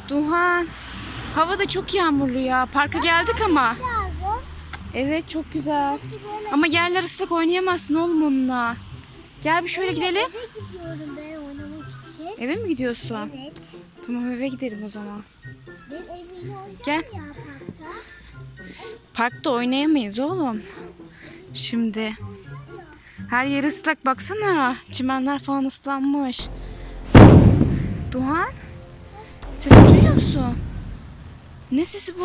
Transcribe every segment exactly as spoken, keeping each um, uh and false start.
Duhan, hava da çok yağmurlu ya. Parka geldik ama. Evet, çok güzel. Ama yerler ıslak, oynayamazsın oğlum onunla. Gel bir şöyle gidelim. Eve gidiyorum ben oynamak için. Eve mi gidiyorsun? Evet. Tamam, eve gidelim o zaman. Ben evimde oynayacağım Gel. ya parkta. Parkta oynayamayız oğlum. Şimdi her yer ıslak, baksana. Çimenler falan ıslanmış. Duhan, sesi duyuyor musun? Ne sesi bu?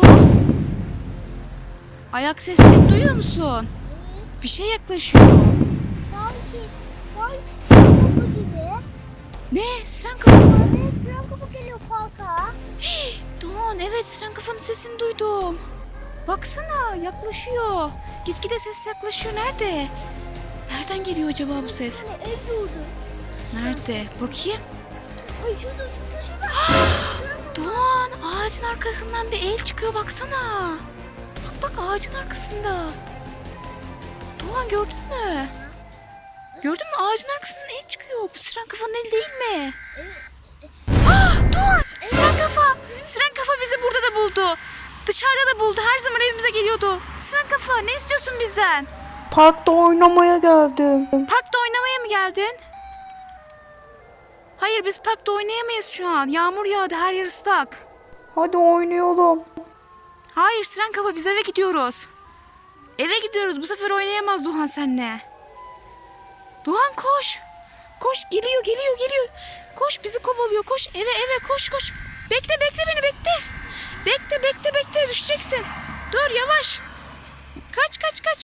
Ayak sesini duyuyor musun? Evet. Bir şey yaklaşıyor. Sanki, sanki siren kafa gibi. Ne? Siren kafa mı? Evet, siren kafa geliyor parka. Duhan, evet, siren kafanın sesini duydum. Baksana, yaklaşıyor. Gitgide ses yaklaşıyor. Nerede? Nereden geliyor acaba bu ses? Hani ev yurdu. Nerede? Bakayım. Ay şurada, şurada, şurada. Doğan, ağacın arkasından bir el çıkıyor, baksana. Bak bak, ağacın arkasında. Doğan, gördün mü? Gördün mü? Ağacın arkasından el çıkıyor. Bu siren kafanın eli değil mi? Ah, Doğan, siren kafa. Siren kafa bizi burada da buldu. Dışarıda da buldu. Her zaman evimize geliyordu. Siren kafa, ne istiyorsun bizden? Parkta oynamaya geldim. Parkta oynamaya mı geldin? Hayır, biz parkta oynayamayız şu an. Yağmur yağdı, her yer ıslak. Hadi oynayalım. Hayır Siren kafa, biz eve gidiyoruz. Eve gidiyoruz, bu sefer oynayamaz Duhan seninle. Duhan koş. Koş, geliyor geliyor geliyor. Koş, bizi kovalıyor, koş eve eve koş koş. Bekle bekle beni, bekle. Bekle bekle bekle, düşeceksin. Dur, yavaş. Kaç kaç kaç.